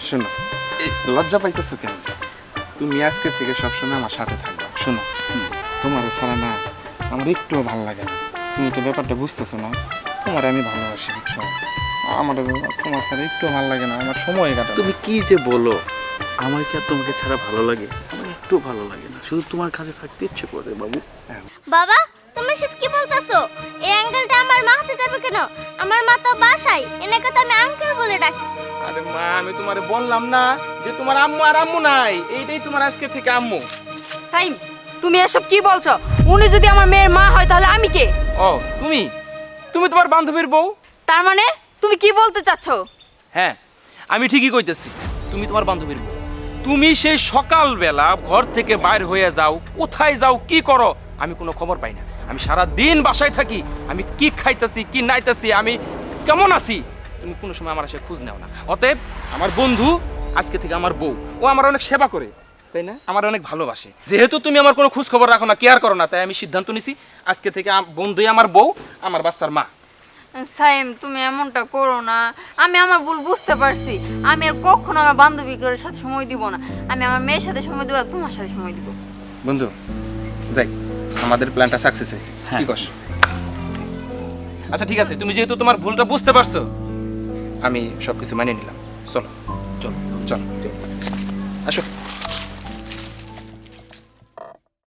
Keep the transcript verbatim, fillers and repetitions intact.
শোনো, এই লজ্জা পাইতেছো কেন? তুমি আজকে থেকে সবসময় আমার সাথে থাকবা। শোনো, তোমার ছাড়া না আমার একটুও ভালো লাগে না। তুমি তো ব্যাপারটা বুঝতেছো না, তোমার আমি ভালোবাসি, বুঝছো? আমার তোমার ছাড়া একটু ভালো লাগে না, আমার সময় কাটা। তুমি কি যে বলো, আমার কি আর তোমাকে ছাড়া ভালো লাগে? আমার একটু ভালো লাগে না, শুধু তোমার কাছে থাকতে ইচ্ছে করে বাবু। বাবা তুমি সব কি বলতাছো? এই আঙ্কেলটা আমার মা হাতে যাবে কেন? আমার মা তো বাসায়, এনাকে তো আমি আঙ্কেল বলে ডাকি। আরে মা, আমি তোমারে বললাম না যে তোমার আম্মু আর আম্মু নাই, এইটাই তোমার আজকে থেকে আম্মু। সাইম, তুমি এসব কি বলছো? উনি যদি আমার মেয়ের মা হয় তাহলে আমি কে? ও তুমি তুমি তোমার বান্ধবীর বউ? তার মানে তুমি কি বলতে চাচ্ছ? হ্যাঁ, আমি ঠিকই কইতেছি, তুমি তোমার বান্ধবীর বউ। তুমি সেই সকালবেলা ঘর থেকে বাইর হয়ে যাও, কোথায় যাও, কি করো, আমি কোনো খবর পাই না। আমি সারা দিন বাসায় থাকি, আমি কি খাইতেছি, কি নাইতেছি, আমি কেমন আছি, তুমি কোনো সময় আমার এসে খোঁজ নাও না। অতএব আমার বন্ধু আজকে থেকে আমার বউ, ও আমার অনেক সেবা করে, তাই না? আমার অনেক ভালোবাসে। যেহেতু তুমি আমার কোনো খোঁজ খবর রাখো না, কেয়ার করো না, তাই আমি সিদ্ধান্ত নিছি আজকে থেকে আম- বন্ধুই আমার বউ, আমার বাচ্চার মা। সাইম, তুমি এমনটা করো না। আমি আমার ভুল বুঝতে পারছি। আমি আর কখনো আমার বান্ধবীদের সাথে সময় দিব না। আমি আমার মেয়ের সাথে সময় দেবো আর তোমার সাথে সময় দিব। বন্ধু যাই, আমাদের প্ল্যানটা সাকসেস হয়েছে, হ্যাঁ। কি কস? আচ্ছা ঠিক আছে, তুমি যেহেতু তোমার ভুলটা বুঝতে পারছো, আমি সবকিছু মানিয়ে নিলাম। চলো চলো চলো আসো।